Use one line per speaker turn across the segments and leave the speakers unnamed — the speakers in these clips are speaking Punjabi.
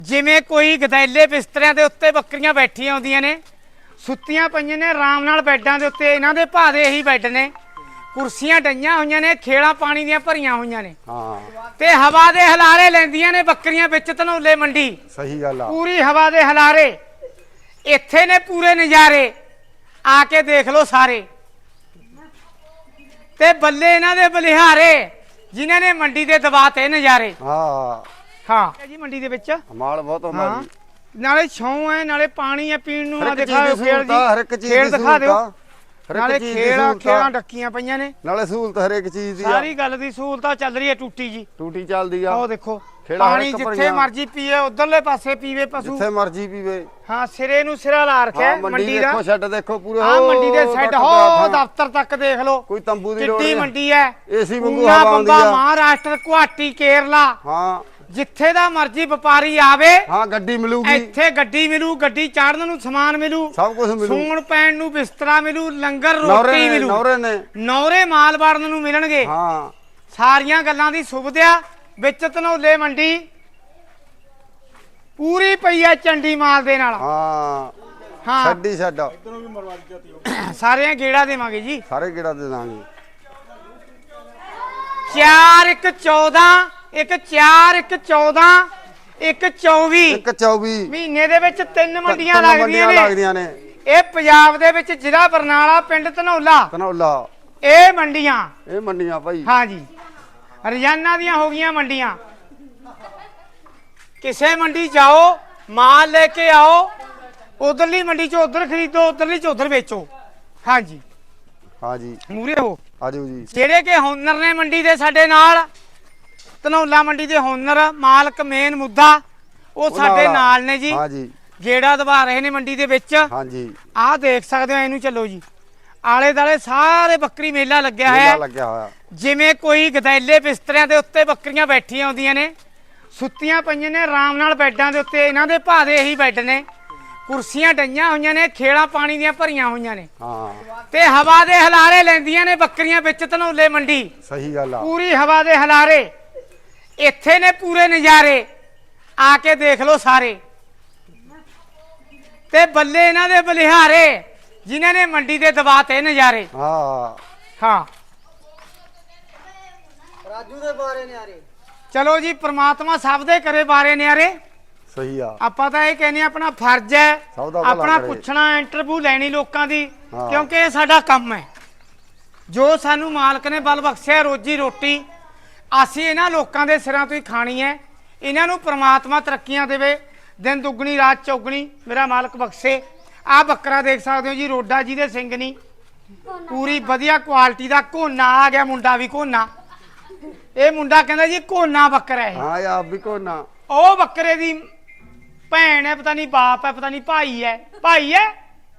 ਜਿਵੇਂ ਕੋਈ ਗਦੈਲੇ ਬਿਸਤਰਿਆਂ ਦੇ ਉੱਤੇ ਬੱਕਰੀਆਂ ਬੈਠੀਆਂ ਹੁੰਦੀਆਂ ਨੇ, ਸੁੱਤੀਆਂ ਪਈਆਂ ਨੇ ਆਰਾਮ ਨਾਲ ਬੈੱਡਾਂ ਦੇ ਉੱਤੇ। ਇਹਨਾਂ ਦੇ ਭਾਦੇ ਇਹੀ ਬੈੱਡ ਨੇ, ਕੁਰਸੀਆਂ ਡਈਆਂ ਹੋਈਆਂ ਨੇ, ਖੇਲਾਂ ਪਾਣੀ ਦੀਆਂ ਭਰੀਆਂ ਹੋਈਆਂ ਨੇ ਤੇ ਹਵਾ ਦੇ ਹਲਾਰੇ ਲੈਂਦੀਆਂ ਨੇ ਬੱਕਰੀਆਂ ਵਿੱਚ ਧਨੌਲੇ ਮੰਡੀ।
ਸਹੀ ਗੱਲ ਆ,
ਪੂਰੀ ਹਵਾ ਦੇ ਹਲਾਰੇ ਇੱਥੇ ਨੇ, ਪੂਰੇ ਨਜ਼ਾਰੇ ਆ ਕੇ ਦੇਖ ਲਓ ਸਾਰੇ। ਤੇ ਬੱਲੇ ਇਹਨਾਂ ਦੇ ਬਲਿਹਾਰੇ ਜਿਨ੍ਹਾਂ ਨੇ ਮੰਡੀ ਦੇ ਦਬਾਤੇ ਨਜ਼ਾਰੇ। ਹਾਂ ਜੀ, ਮੰਡੀ ਦੇ ਵਿੱਚ
ਮਾਲ ਬਹੁਤ ਹੁੰਦਾ ਜੀ,
ਨਾਲੇ ਛਾਂ ਹੈ, ਨਾਲੇ ਪਾਣੀ ਹੈ ਪੀਣ ਨੂੰ। ਆ ਦਿਖਾਓ
ਖੇਡ ਜੀ, ਹਰ ਇੱਕ ਚੀਜ਼ ਦੀ
ਦਿਖਾ ਦਿਓ,
ਹਰ
ਨਾਲੇ
ਇੱਕ ਚੀਜ਼ ਦੀ
ਖੇਲਾਂ
ਸਹੂਲਤਾਂ
ਡੱਕੀਆਂ ਪਈਆਂ ਨੇ,
ਨਾਲੇ ਸਹੂਲਤ ਹਰ ਇੱਕ ਚੀਜ਼ ਦੀ ਆ।
ਸਾਰੀ ਗੱਲ ਦੀ ਸਹੂਲਤਾਂ ਚੱਲ ਰਹੀ ਹੈ। ਟੂਟੀ ਜੀ,
ਟੂਟੀ ਚੱਲਦੀ ਆ।
ਉਹ ਦੇਖੋ
ਖੇੜਾ ਹਰ
ਪਾਣੀ
ਇੱਕ
ਜਿੱਥੇ
ਭਰੀਆਂ।
ਮਰਜੀ ਪੀਏ, ਉਧਰਲੇ ਪਾਸੇ ਪੀਵੇ ਪਸ਼ੂ,
ਜਿੱਥੇ ਮਰਜੀ ਪੀਵੇ।
ਹਾਂ, ਸਿਰੇ ਨੂੰ ਸਿਰਾ ਲਾ ਰੱਖਿਆ ਮੰਡੀ ਦਾ।
ਦੇਖੋ ਛੱਡ, ਦੇਖੋ ਪੂਰੇ
ਹਾਂ, ਮੰਡੀ ਦੇ ਸੈੱਟ ਹੋ ਦਫ਼ਤਰ ਤੱਕ ਦੇਖ ਲਓ,
ਕੋਈ ਤੰਬੂ ਦੀ ਲੋੜ
ਕਿੱਡੀ
ਨਹੀਂ।
ਮੰਡੀ ਹੈ,
ਏਸੀ ਵਾਂਗੂ ਹਵਾ ਆਉਂਦੀ ਆ।
ਮਹਾਰਾਸ਼ਟਰ, ਗੁਹਾਟੀ, ਕੇਰਲਾ,
ਹਾਂ
ਜਿੱਥੇ ਦਾ ਮਰਜੀ ਵਪਾਰੀ ਆਵੇ,
ਹਾਂ ਗੱਡੀ ਮਿਲੂਗੀ
ਇੱਥੇ ਗੱਡੀ ਮਿਲੂ, ਗੱਡੀ ਚਾੜਨ ਨੂੰ ਸਮਾਨ ਮਿਲੂ,
ਸਭ ਕੁਝ ਮਿਲੂ,
ਸੌਣ ਪੈਣ ਨੂੰ ਬਿਸਤਰਾ ਮਿਲੂ, ਲੰਗਰ ਰੋਟੀ ਮਿਲੂ,
ਨੌਰੇ ਨੇ
ਨੌਰੇ ਮਾਲ ਵੜਨ ਨੂੰ ਮਿਲਣਗੇ।
ਹਾਂ,
ਸਾਰੀਆਂ ਗੱਲਾਂ ਦੀ ਸੁਵਿਧਾ ਵਿੱਚ ਧਨੌਲੇ ਮੰਡੀ ਪੂਰੀ ਪਈ ਹੈ ਚੰਡੀ ਮਾਲ ਦੇ ਨਾਲ।
ਹਾਂ
ਹਾਂ,
ਛੱਡੀ ਛੱਡ,
ਸਾਰਿਆਂ ਗੇੜਾ ਦੇਵਾਂਗੇ ਜੀ।
ਸਾਰੇ ਗੇੜਾ ਦੇ ਦਾਂਗੇ।
4 1 14 1 4 1 14 1 24
ਇੱਕ 24
ਮਹੀਨੇ ਦੇ ਵਿੱਚ 3 ਮੰਡੀਆਂ
ਤਿੰਨ
ਲੱਗਦੀਆਂ ਨੇ। ਇਹ ਪੰਜਾਬ ਦੇ ਵਿੱਚ ਜ਼ਿਲ੍ਹਾ ਬਰਨਾਲਾ, ਪਿੰਡ ਧਨੌਲਾ, ਇਹ ਮੰਡੀਆਂ,
ਇਹ ਮੰਡੀਆਂ ਭਾਈ।
ਹਾਂ ਜੀ, ਰੋਜ਼ਾਨਾ ਦੀਆਂ ਹੋ ਗਈਆਂ ਮੰਡੀਆਂ। ਕਿਸੇ ਮੰਡੀ ਜਾਓ, ਮਾਲ ਲੈ ਕੇ ਆਓ, ਉਧਰਲੀ ਮੰਡੀ ਚ ਉਧਰ ਖਰੀਦੋ, ਉਧਰਲੀ ਚ ਉਧਰ ਵੇਚੋ। ਹਾਂ ਜੀ,
ਹਾਂ ਜੀ,
ਮੂਰੇ ਹੋ।
ਆਜੋ ਜੀ।
ਜਿਹੜੇ ਕਿ ਹੋਨਰ ਨੇ ਮੰਡੀ ਦੇ ਸਾਡੇ ਨਾਲ, ਧਨੌਲਾ ਮੰਡੀ ਦੇ ਹੋਨਰ, ਮਾਲਕ, ਮੇਨ ਮੁੱਦਾ ਉਹ ਸਾਡੇ ਨਾਲ ਨੇ ਜੀ।
ਹਾਂ ਜੀ,
ਗੇੜਾ ਦਬਾ ਰਹੇ ਨੇ ਮੰਡੀ ਦੇ ਵਿੱਚ।
ਹਾਂ ਜੀ,
ਆਹ ਦੇਖ ਸਕਦੇ ਹੋ, ਇਹਨੂੰ ਚੱਲੋ ਜੀ। ਆਲੇ ਦਾਲੇ ਸਾਰੇ ਬੱਕਰੀ ਮੇਲਾ ਲੱਗਿਆ ਹੋਇਆ। ਜਿਵੇਂ ਕੋਈ ਗਦੈਲੇ ਬਿਸਤਰਿਆਂ ਦੇ ਉੱਤੇ ਬੱਕਰੀਆਂ ਬੈਠੀਆਂ ਹੁੰਦੀਆਂ ਨੇ, ਸੁੱਤੀਆਂ ਪਈਆਂ ਨੇ ਆਰਾਮ ਨਾਲ ਬੈੱਡਾਂ ਦੇ ਉੱਤੇ। ਇਹਨਾਂ ਦੇ ਭਾਦੇ ਇਹੀ ਬੈੱਡ ਨੇ, ਕੁਰਸੀਆਂ ਡਈਆਂ ਹੋਈਆਂ ਨੇ, ਖੇਲਾਂ ਪਾਣੀ ਦੀਆਂ ਭਰੀਆਂ ਹੋਈਆਂ ਨੇ ਤੇ ਹਵਾ ਦੇ ਹਲਾਰੇ ਲੈਂਦੀਆਂ ਨੇ ਬੱਕਰੀਆਂ ਵਿੱਚ ਧਨੌਲੇ ਮੰਡੀ।
ਸਹੀ ਗੱਲ ਆ,
ਪੂਰੀ ਹਵਾ ਦੇ ਹਲਾਰੇ ਇੱਥੇ ਨੇ, ਪੂਰੇ ਨਜ਼ਾਰੇ ਆ ਕੇ ਦੇਖ ਲਓ ਸਾਰੇ। ਤੇ ਬੱਲੇ ਇਹਨਾਂ ਦੇ ਬਲਿਹਾਰੇ ਜਿਨ੍ਹਾਂ ਨੇ ਮੰਡੀ ਦੇ ਦਬਾਤੇ ਨਜ਼ਾਰੇ। ਹਾਂ,
ਰਾਜੂ ਦੇ ਬਾਰੇ ਨਿਆਰੇ।
ਚਲੋ ਜੀ, ਪ੍ਰਮਾਤਮਾ ਸਭ ਦੇ ਕਰੇ ਬਾਰੇ ਨਿਆਰੇ।
ਸਹੀ ਆ,
ਆਪਾਂ ਤਾਂ ਇਹ ਕਹਿੰਦੇ ਆਪਣਾ ਫਰਜ਼ ਹੈ ਆਪਣਾ
ਕਰੇ।
ਪੁੱਛਣਾ, ਇੰਟਰਵਿਊ ਲੈਣੀ ਲੋਕਾਂ ਦੀ, ਕਿਉਂਕਿ ਇਹ ਸਾਡਾ ਕੰਮ ਹੈ। ਜੋ ਸਾਨੂੰ ਮਾਲਕ ਨੇ ਬਲ ਬਖਸ਼ਿਆ ਰੋਜੀ ਰੋਟੀ, ਅਸੀਂ ਇਹਨਾਂ ਲੋਕਾਂ ਦੇ ਸਿਰਾਂ ਤੋਂ ਹੀ ਖਾਣੀ ਹੈ। ਇਹਨਾਂ ਨੂੰ ਪ੍ਰਮਾਤਮਾ ਤਰੱਕੀਆਂ ਦੇਵੇ, ਦਿਨ ਦੁੱਗਣੀ ਰਾਤ ਚੌਗਣੀ ਮੇਰਾ ਮਾਲਕ ਬਖਸ਼ੇ। ਆਹ ਬੱਕਰਾ ਦੇਖ ਸਕਦੇ ਹੋ ਜੀ, ਰੋਡਾ ਜੀ ਦੇ ਸਿੰਘ ਨਹੀਂ, ਪੂਰੀ ਵਧੀਆ ਕੁਆਲਿਟੀ ਦਾ ਘੋਨਾ ਆ ਗਿਆ। ਮੁੰਡਾ ਵੀ ਘੋਨਾ, ਇਹ ਮੁੰਡਾ ਕਹਿੰਦਾ ਜੀ ਘੋਨਾ ਬੱਕਰਾ ਹੈ।
ਹਾਂ ਆਪ ਵੀ ਘੋਨਾ।
ਉਹ ਬੱਕਰੇ ਦੀ ਭੈਣ ਹੈ, ਪਤਾ ਨਹੀਂ ਬਾਪ ਹੈ, ਪਤਾ ਨਹੀਂ ਭਾਈ ਹੈ। ਭਾਈ ਹੈ,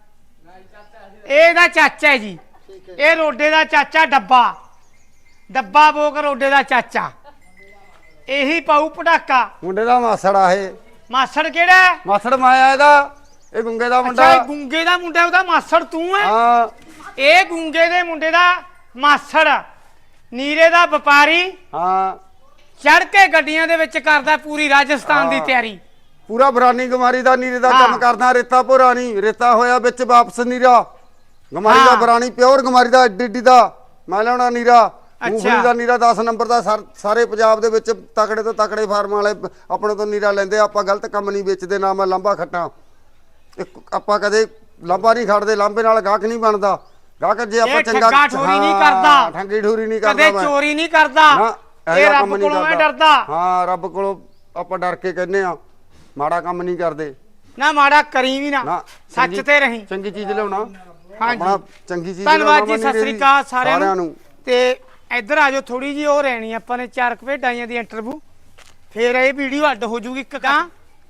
ਇਹਦਾ ਚਾਚਾ ਹੈ ਜੀ। ਇਹ ਰੋਡੇ ਦਾ ਚਾਚਾ, ਡੱਬਾ ਬੋਕ ਰੋਡੇ ਦਾ ਚਾਚਾ। ਇਹੀ ਪਾਉ ਪਟਾਕਾ।
ਮੁੰਡੇ ਦਾ ਮਾਸੜ ਆ ਇਹ।
ਮਾਸੜ ਕਿਹੜਾ ਹੈ?
ਮਾਸੜ ਮਾਇਆ ਇਹਦਾ, ਇਹ ਗੁੰਗੇ ਦਾ ਮੁੰਡਾ।
ਅੱਛਾ, ਗੁੰਗੇ ਦਾ ਮੁੰਡਾ, ਉਹਦਾ ਮਾਸੜ ਤੂੰ ਹੈ?
ਹਾਂ,
ਇਹ ਗੁੰਗੇ ਦੇ ਮੁੰਡੇ ਦਾ ਮਾਸੜ, ਨੀਰੇ ਦਾ ਵਪਾਰੀ।
ਹਾਂ,
ਚੜ ਕੇ ਗੱਡੀਆਂ ਦੇ ਵਿੱਚ ਕਰਦਾ ਪੂਰੀ ਰਾਜਸਥਾਨ ਦੀ ਤਿਆਰੀ।
ਪੂਰਾ ਬਰਾਨੀ ਗਮਾਰੀ ਦਾ ਨੀਰੇ ਦਾ ਕੰਮ ਕਰਦਾ। ਰੇਤਾ ਭੋਰਾ ਨਹੀਂ, ਰੇਤਾ ਹੋਇਆ ਵਿੱਚ ਵਾਪਸ ਨੀਰਾ ਗਮਾਰੀ ਦਾ, ਬਰਾਨੀ ਪਿਓਰ ਗਮਾਰੀ ਦਾ, ਏਡੀ ਦਾ ਮੈਂ ਲਿਆਉਣਾ ਨੀਰਾ। ਮੂੰਗਫਲੀ ਦਾ ਨੀਰਾ 10 ਨੰਬਰ ਦਾ। ਸਾਰੇ ਪੰਜਾਬ ਦੇ ਵਿੱਚ ਤਕੜੇ ਤੋਂ ਤਕੜੇ ਫਾਰਮ ਵਾਲੇ ਆਪਣੇ ਤੋਂ ਨੀਰਾ ਲੈਂਦੇ। ਆਪਾਂ ਗਲਤ ਕੰਮ ਨਹੀਂ ਵੇਚਦੇ, ਨਾ ਮੈਂ ਲਾਂਭਾ ਖੱਟਾਂ। ਆਪਾਂ ਕਦੇ ਲਾਂਭਾ ਨਹੀਂ ਖੜਦੇ, ਲਾਂਭੇ ਨਾਲ ਗਾਹਕ ਨਹੀਂ ਬਣਦਾ। ਗਾਹਕ ਜੇ ਆਪਾਂ ਚੰਗਾ
ਠੋਰੀ ਨਹੀਂ ਕਰਦਾ,
ਠੰਗੀ ਠੋਰੀ ਨਹੀਂ ਕਰਦਾ,
ਕਦੇ ਚੋਰੀ ਨਹੀਂ ਕਰਦਾ, ਇਹ ਰੱਬ ਕੋਲੋਂ ਮੈਂ ਡਰਦਾ।
ਹਾਂ, ਰੱਬ ਕੋਲੋਂ ਆਪਾਂ ਡਰ ਕੇ ਕਹਿੰਦੇ ਆ, ਮਾੜਾ ਕੰਮ ਨਹੀਂ ਕਰਦੇ।
ਨਾ ਮਾੜਾ ਕਰੀ ਵੀ ਨਾ, ਸੱਚ ਤੇ ਰਹੀਂ।
ਚੰਗੀ ਚੀਜ਼ ਲਿਆਉਣਾ,
ਆਪਣਾ
ਚੰਗੀ ਚੀਜ਼।
ਧੰਨਵਾਦ ਜੀ, ਸਤਿ ਸ੍ਰੀ ਅਕਾਲ ਸਾਰਿਆਂ ਨੂੰ। ਤੇ ਇੱਧਰ ਆ ਜਾਓ, ਥੋੜੀ ਜੀ ਉਹ ਰਹਿਣੀ ਆਪਾਂ ਨੇ 4 ਭੇਡਾਂ ਦੀ ਇੰਟਰਵਿਊ, ਫੇਰ ਇਹ ਵੀਡੀਓ ਅੱਡ ਹੋ ਜੂਗੀ। ਇੱਕ ਕਾਂ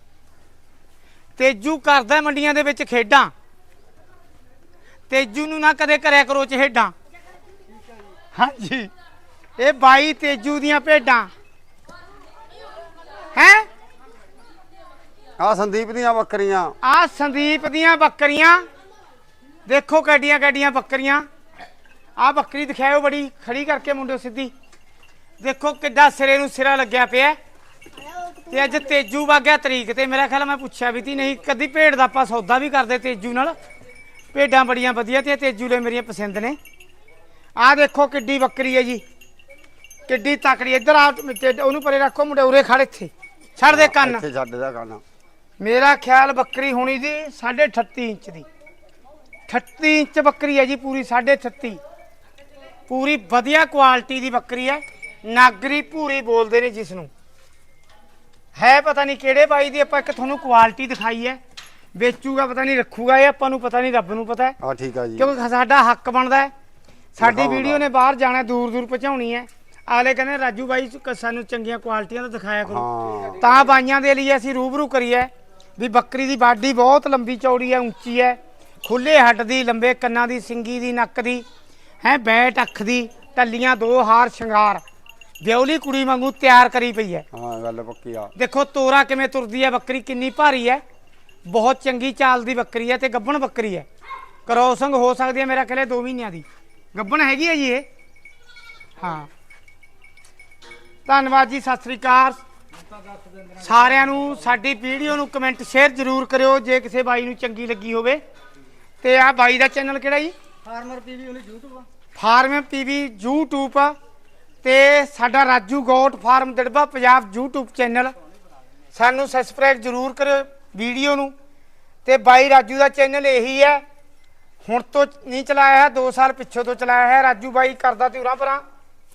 ਤੇਜੂ ਕਰਦਾ ਮੰਡੀਆਂ ਦੇ ਵਿੱਚ ਖੇਡਾਂ। ਤੇਜੂ ਨੂੰ ਨਾ ਕਦੇ ਕਰਿਆ ਕਰੋ ਚਹੇਡਾਂ। ਹਾਂਜੀ, ਇਹ 22 ਤੇਜੂ ਦੀਆਂ ਭੇਡਾਂ ਹੈ।
ਆ ਸੰਦੀਪ ਦੀਆਂ ਬੱਕਰੀਆਂ,
ਆ ਸੰਦੀਪ ਦੀਆਂ ਬੱਕਰੀਆਂ ਦੇਖੋ, ਕੱਡੀਆਂ ਕੱਡੀਆਂ ਬੱਕਰੀਆਂ। ਆ ਬੱਕਰੀ ਦਿਖਾਇਓ, ਬੜੀ ਖੜੀ ਕਰਕੇ ਮੁੰਡਿਓ ਸਿੱਧੀ। ਦੇਖੋ ਕਿੱਡਾ ਸਿਰੇ ਨੂੰ ਸਿਰਾ ਲੱਗਿਆ ਪਿਆ। ਤੇ ਅੱਜ ਤੇਜੂ ਵਾਗਿਆ ਤਰੀਕ ਤੇ ਮੇਰਾ ਖਿਆਲ ਮੈਂ ਪੁੱਛਿਆ ਵੀ ਤੀ ਨਹੀਂ ਕਦੀ ਭੇਡ ਦਾ ਆਪਾਂ ਸੌਦਾ ਵੀ ਕਰਦੇ ਤੇਜੂ ਨਾਲ। ਭੇਡਾਂ ਬੜੀਆਂ ਵਧੀਆ ਤੇ ਤੇਜੂ ਲੈ ਮੇਰੀਆਂ ਪਸੰਦ ਨੇ। ਆਹ ਦੇਖੋ ਕਿੱਡੀ ਬੱਕਰੀ ਹੈ ਜੀ, ਕਿੱਡੀ ਤਕੜੀ। ਇੱਧਰ ਆ ਉਹਨੂੰ ਪਰੇ ਰੱਖੋ, ਮੁੰਡੇ ਉਰੇ ਖੜ ਇੱਥੇ ਛੱਡ ਦੇ ਕੰਨ।
ਇੱਥੇ ਛੱਡ ਦਾ ਕੰਨ।
ਮੇਰਾ ਖਿਆਲ ਬੱਕਰੀ ਹੋਣੀ ਦੀ 38.5 ਇੰਚ ਦੀ, 38 ਇੰਚ ਬੱਕਰੀ ਹੈ ਜੀ ਪੂਰੀ, 38.5 ਪੂਰੀ ਵਧੀਆ ਕੁਆਲਿਟੀ ਦੀ ਬੱਕਰੀ ਹੈ। ਨਾਗਰੀ ਭੂਰੀ ਬੋਲਦੇ ਨੇ ਜਿਸ ਨੂੰ, ਹੈ ਪਤਾ ਨਹੀਂ ਕਿਹੜੇ ਬਾਈ ਦੀ। ਆਪਾਂ ਇੱਕ ਤੁਹਾਨੂੰ ਕੁਆਲਿਟੀ ਦਿਖਾਈ ਹੈ, ਵੇਚੂਗਾ ਪਤਾ ਨਹੀਂ ਰੱਖੂਗਾ, ਇਹ ਆਪਾਂ ਨੂੰ ਪਤਾ ਨਹੀਂ, ਰੱਬ ਨੂੰ ਪਤਾ ਹੈ।
ਹਾਂ ਠੀਕ ਆ ਜੀ,
ਕਿਉਂਕਿ ਸਾਡਾ ਹੱਕ ਬਣਦਾ ਹੈ। ਸਾਡੀ ਵੀਡੀਓ ਨੇ ਬਾਹਰ ਜਾਣਾ, ਦੂਰ ਦੂਰ ਪਹੁੰਚਾਉਣੀ ਹੈ। ਆਲੇ ਕਹਿੰਦੇ ਰਾਜੂ ਬਾਈ ਸਾਨੂੰ ਚੰਗੀਆਂ ਕੁਆਲਿਟੀਆਂ ਦਾ ਦਿਖਾਇਆ ਕਰੋ, ਤਾਂ ਬਾਈਆਂ ਦੇ ਲਈ ਅਸੀਂ ਰੂਬਰੂ ਕਰੀਏ ਵੀ ਬੱਕਰੀ ਦੀ ਬਾਡੀ ਬਹੁਤ ਲੰਬੀ ਚੌੜੀ ਹੈ, ਉੱਚੀ ਹੈ, ਖੁੱਲੇ ਹੱਡ ਦੀ, ਲੰਬੇ ਕੰਨਾਂ ਦੀ, ਸਿੰਗੀ ਦੀ, ਨੱਕ ਦੀ, ਹੈ ਬੈਟ ਅੱਖ ਦੀ, ਟੱਲੀਆਂ 2 ਹਾਰ ਸ਼ਿੰਗਾਰ, ਵਿਉਲੀ ਕੁੜੀ ਵਾਂਗੂ ਤਿਆਰ ਕਰੀ ਪਈ ਹੈ।
ਹਾਂ ਗੱਲ ਪੱਕੀ ਆ।
ਦੇਖੋ ਤੋਰਾ ਕਿਵੇਂ ਤੁਰਦੀ ਹੈ ਬੱਕਰੀ, ਕਿੰਨੀ ਭਾਰੀ ਹੈ, ਬਹੁਤ ਚੰਗੀ ਚਾਲ ਦੀ ਬੱਕਰੀ ਹੈ ਤੇ ਗੱਭਣ ਬੱਕਰੀ ਹੈ। ਕਰੋਸਿੰਗ ਹੋ ਸਕਦੀ ਹੈ ਮੇਰਾ ਖਿਆਲ 2 ਮਹੀਨਿਆਂ ਦੀ ਗੱਭਣ ਹੈਗੀ ਹੈ ਜੀ ਇਹ। ਹਾਂ ਧੰਨਵਾਦ ਜੀ, ਸਤਿ ਸ੍ਰੀ ਅਕਾਲ ਸਾਰਿਆਂ ਨੂੰ। ਸਾਡੀ ਵੀਡੀਓ ਨੂੰ ਕਮੈਂਟ ਸ਼ੇਅਰ ਜ਼ਰੂਰ ਕਰਿਓ ਜੇ ਕਿਸੇ ਬਾਈ ਨੂੰ ਚੰਗੀ ਲੱਗੀ ਹੋਵੇ। ਤੇ ਆਹ ਬਾਈ ਦਾ ਚੈਨਲ ਕਿਹੜਾ ਜੀ?
ਫਾਰਮਰ ਪੀਵੀ ਉਹਨੇ YouTube ਆ।
ਫਾਰਮ ਪੀਵੀ YouTube ਆ, ਤੇ ਸਾਡਾ Raju goat farm Darba Punjab YouTube channel. ਸਾਨੂੰ ਸਬਸਕ੍ਰਾਈਬ ਜ਼ਰੂਰ ਕਰਿਓ ਵੀਡੀਓ ਨੂੰ। ਤੇ ਬਾਈ ਰਾਜੂ ਦਾ ਚੈਨਲ ਇਹੀ ਹੈ, ਹੁਣ ਤੋਂ ਨਹੀਂ ਚਲਾਇਆ ਹੈ, 2 ਸਾਲ ਪਿੱਛੋਂ ਤੋਂ ਚਲਾਇਆ ਹੈ। ਰਾਜੂ ਬਾਈ ਕਰਦਾ ਤੇ ਉਰਾਂ ਪਰਾਂ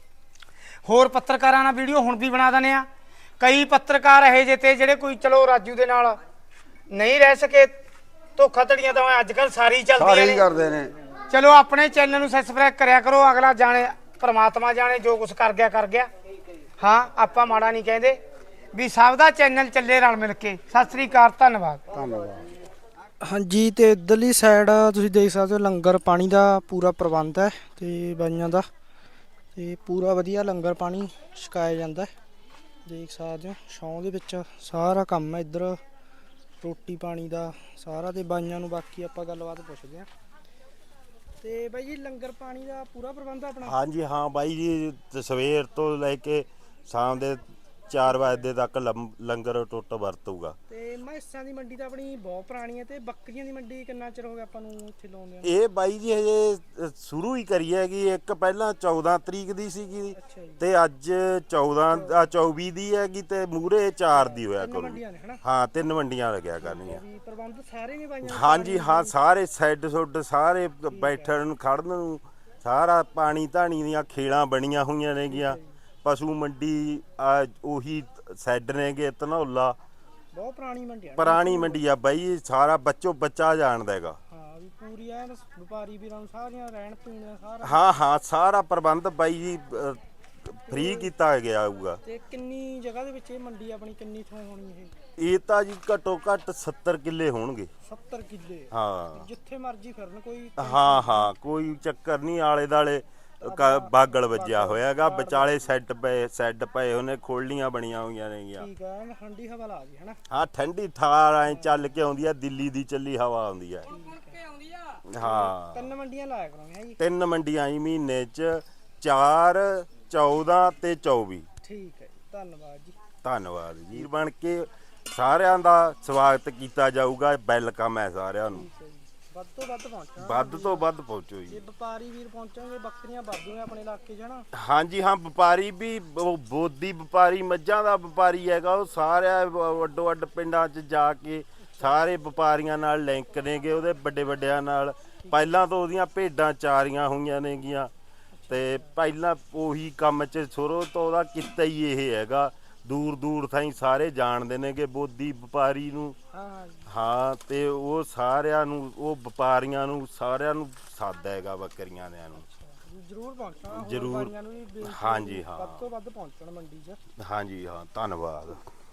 ਹੋਰ ਪੱਤਰਕਾਰਾਂ ਨਾਲ ਵੀਡੀਓ ਹੁਣ ਵੀ ਬਣਾ ਦਿੰਦੇ ਆ। ਕਈ ਪੱਤਰਕਾਰ ਇਹੋ ਜਿਹੇ ਤੇ ਜਿਹੜੇ ਕੋਈ ਚਲੋ ਰਾਜੂ ਦੇ ਨਾਲ ਨਹੀਂ ਰਹਿ ਸਕੇ, ਧੋਖਾ ਧੜੀਆਂ ਤਾਂ ਅੱਜ ਕੱਲ੍ਹ ਸਾਰੀ ਚੱਲਦੀਆਂ
ਸਾਰੇ ਹੀ
ਨੇ।
ਕਰਦੇ ਨੇ।
ਚਲੋ ਆਪਣੇ ਚੈਨਲ ਨੂੰ ਸਬਸਕ੍ਰਾਈਬ ਕਰਿਆ ਕਰੋ, ਅਗਲਾ ਜਾਣੇ ਪਰਮਾਤਮਾ ਜਾਣੇ ਜੋ ਕੁਛ ਕਰ ਗਿਆ ਕਰ ਗਿਆ। ਹਾਂ ਆਪਾਂ ਮਾੜਾ ਨਹੀਂ ਕਹਿੰਦੇ, ਵੀ ਸਭ ਦਾ ਚੈਨਲ ਚੱਲੇ ਰਲ ਮਿਲ ਕੇ। ਸਤਿ ਸ੍ਰੀ ਅਕਾਲ, ਧੰਨਵਾਦ।
ਧੰਨਵਾਦ।
ਹਾਂਜੀ, ਤੇ ਇੱਧਰਲੀ ਸਾਈਡ ਤੁਸੀਂ ਦੇਖ ਸਕਦੇ ਹੋ ਲੰਗਰ ਪਾਣੀ ਦਾ ਪੂਰਾ ਪ੍ਰਬੰਧ ਹੈ ਤੇ ਬਾਈਆਂ ਦਾ, ਤੇ ਪੂਰਾ ਵਧੀਆ ਲੰਗਰ ਪਾਣੀ ਛਕਾਇਆ ਜਾਂਦਾ ਹੈ। ਦੇਖ ਸਕਦੇ ਹੋ ਛਾਂ ਦੇ ਵਿੱਚ ਸਾਰਾ ਕੰਮ ਹੈ ਇੱਧਰ, ਰੋਟੀ ਪਾਣੀ ਦਾ ਸਾਰਾ। ਤੇ ਬਾਈਆਂ ਨੂੰ ਬਾਕੀ ਆਪਾਂ ਗੱਲਬਾਤ ਪੁੱਛਦੇ ਹਾਂ। ਤੇ ਬਾਈ ਜੀ ਲੰਗਰ ਪਾਣੀ ਦਾ ਪੂਰਾ ਪ੍ਰਬੰਧ ਆਪਣਾ?
ਹਾਂਜੀ ਹਾਂ ਬਾਈ ਜੀ, ਸਵੇਰ ਤੋਂ ਲੈ ਕੇ ਸ਼ਾਮ ਦੇ 4 ਵਜੇ ਤੱਕ ਲੰਗਰ ਟੁੱਟ ਵਰਤੂਗਾ।
ਤੇ ਮੈਸਾਂ ਦੀ ਮੰਡੀ ਤਾਂ ਆਪਣੀ ਬਹੁਤ ਪੁਰਾਣੀ ਹੈ, ਤੇ ਬੱਕਰੀਆਂ ਦੀ ਮੰਡੀ ਕਿੰਨਾ ਚਿਰ ਹੋ ਗਿਆ ਆਪਾਂ ਨੂੰ ਇੱਥੇ ਲਾਉਂਦੇ?
ਇਹ ਬਾਈ ਜੀ ਹਜੇ ਸ਼ੁਰੂ ਹੀ ਕਰੀ ਹੈਗੀ। ਇੱਕ ਪਹਿਲਾਂ 14 ਤਰੀਕ ਦੀ ਸੀਗੀ, ਤੇ ਅੱਜ 24 ਦੀ ਹੈਗੀ, ਤੇ ਮੂਹਰੇ 4 ਦੀ ਹੋਇਆ ਕਰੂ। ਹਾਂ 3 ਮੰਡੀਆਂ ਲੱਗਿਆ ਕਰਨੀਆਂ।
ਪ੍ਰਬੰਧ ਸਾਰੇ ਨੇ ਬਾਈਆਂ?
ਹਾਂਜੀ ਹਾਂ, ਸਾਰੇ ਸੈੱਡ ਸੁੱਡ ਸਾਰੇ, ਬੈਠਣ ਨੂੰ ਖੜਨ ਨੂੰ ਸਾਰਾ, ਪਾਣੀ ਧਾਣੀ ਦੀਆਂ ਖੇਲਾਂ ਬਣੀਆਂ ਹੋਈਆਂ ਨੇਗੀਆਂ। ਪਸ਼ੂ ਮੰਡੀ ਉਹੀ ਸੈੱਡ ਨੇਗੇ, ਧਨੌਲਾ
ਬਹੁਤ ਪੁਰਾਣੀ ਮੰਡੀ ਆ।
ਪੁਰਾਣੀ ਮੰਡੀ ਆ ਬਾਈ, ਸਾਰਾ ਬੱਚੋ ਬੱਚਾ ਜਾਣਦਾ ਹੈਗਾ।
ਹਾਂ ਵੀ ਪੂਰੀ ਐਨ ਵਪਾਰੀ ਵੀਰਾਂ ਨੂੰ ਸਾਰੀਆਂ ਰਹਿਣ ਪੀਣ ਸਾਰਾ।
ਹਾਂ ਹਾਂ ਸਾਰਾ ਪ੍ਰਬੰਧ ਬਾਈ ਜੀ ਫ੍ਰੀ ਕੀਤਾ ਗਿਆ ਹੋਊਗਾ।
ਤੇ ਕਿੰਨੀ ਜਗ੍ਹਾ ਦੇ ਵਿੱਚ ਇਹ ਮੰਡੀ ਆਪਣੀ, ਕਿੰਨੀ ਥਾਂ ਹੋਣੀ ਇਹ?
ਇਹ ਤਾਂ ਜੀ ਘੱਟੋ ਘੱਟ 70 ਕਿੱਲੇ ਹੋਣਗੇ।
70 ਕਿੱਲੇ?
ਹਾਂ
ਜਿੱਥੇ ਮਰਜ਼ੀ ਫਿਰਨ ਕੋਈ?
ਹਾਂ ਹਾਂ ਕੋਈ ਚੱਕਰ ਨਹੀਂ, ਆਲੇ ਦਾਲੇ ਬਾਗਲ ਵੱਜਿਆ ਹੋਇਆਗਾ, ਵਿਚਾਲੇ ਸੈੱਡ ਪਏ ਉਹਨੇ, ਖੋਲੀਆਂ ਬਣੀਆਂ ਹੋਈਆਂ ਨੇਗੀਆਂ।
ਠੀਕ ਆ, ਠੰਡੀ ਹਵਾ ਲਾ ਗਈ ਹਨਾ?
ਹਾਂ ਠੰਡੀ ਠਾਰ ਐ ਚੱਲ ਕੇ ਆਉਂਦੀ ਆ, ਦਿੱਲੀ ਦੀ ਚੱਲੀ ਹਵਾ ਆਉਂਦੀ ਆ। ਹਾਂ
3 ਮੰਡੀਆਂ ਲਾਇਆ ਕਰਾਂਗੇ ਜੀ?
3 ਮੰਡੀਆਂ ਜੀ ਮਹੀਨੇ ਚ, 4, 14 ਤੇ 24।
ਠੀਕ ਹੈ ਜੀ, ਧੰਨਵਾਦ ਜੀ।
ਧੰਨਵਾਦ ਜੀ। ਬਣ ਕੇ ਸਾਰਿਆਂ ਦਾ ਸਵਾਗਤ ਕੀਤਾ ਜਾਊਗਾ, ਵੈਲਕਮ ਹੈ ਸਾਰਿਆਂ ਨੂੰ।
ਵੱਧ ਤੋਂ ਵੱਧ ਪਹੁੰਚਣਾ,
ਵੱਧ ਤੋਂ ਵੱਧ ਪਹੁੰਚੋ ਜੀ।
ਜੇ ਵਪਾਰੀ ਵੀਰ ਪਹੁੰਚਣਗੇ, ਬੱਕਰੀਆਂ ਵਾਧੂ ਨੇ ਆਪਣੇ ਇਲਾਕੇ 'ਚ ਹਨਾ?
ਹਾਂਜੀ ਹਾਂ, ਵਪਾਰੀ ਵੀ, ਬੋਦੀ ਵਪਾਰੀ, ਮੱਝਾਂ ਦਾ ਵਪਾਰੀ ਹੈਗਾ, ਉਹ ਸਾਰਿਆਂ ਵੱਡੋ ਵੱਡ ਪਿੰਡਾਂ 'ਚ ਜਾ ਕੇ ਸਾਰੇ ਵਪਾਰੀਆਂ ਨਾਲ ਲਿੰਕ ਨੇਗੇ, ਉਹਦੇ ਵੱਡੇ ਵੱਡਿਆਂ ਨਾਲ। ਪਹਿਲਾਂ ਤੋਂ ਉਹਦੀਆਂ ਭੇਡਾਂ ਚਾਰੀਆਂ ਹੋਈਆਂ ਨੇਗੀਆਂ, ਤੇ ਪਹਿਲਾਂ ਉਹੀ ਕੰਮ 'ਚ ਸ਼ੁਰੂ ਤੋਂ ਉਹਦਾ ਕਿੱਤਾ ਹੀ ਇਹ ਹੈਗਾ। ਦੂਰ ਦੂਰ ਥਾਈਂ ਸਾਰੇ ਜਾਣਦੇ ਨੇਗੇ ਬੋਦੀ ਵਪਾਰੀ ਨੂੰ। ਹਾਂ ਤੇ ਉਹ ਸਾਰਿਆਂ ਨੂੰ, ਉਹ ਵਪਾਰੀਆਂ ਨੂੰ ਸਾਰਿਆਂ ਨੂੰ ਸੱਦ ਹੈਗਾ ਬੱਕਰੀਆਂ ਦਿਆਂ ਨੂੰ।
ਜ਼ਰੂਰ ਪਹੁੰਚਣਾ
ਜ਼ਰੂਰ।
ਨੂੰ ਵੀ
ਹਾਂਜੀ ਹਾਂ,
ਵੱਧ ਤੋਂ ਵੱਧ ਪਹੁੰਚਣ ਮੰਡੀ 'ਚ।
ਹਾਂਜੀ ਹਾਂ, ਧੰਨਵਾਦ।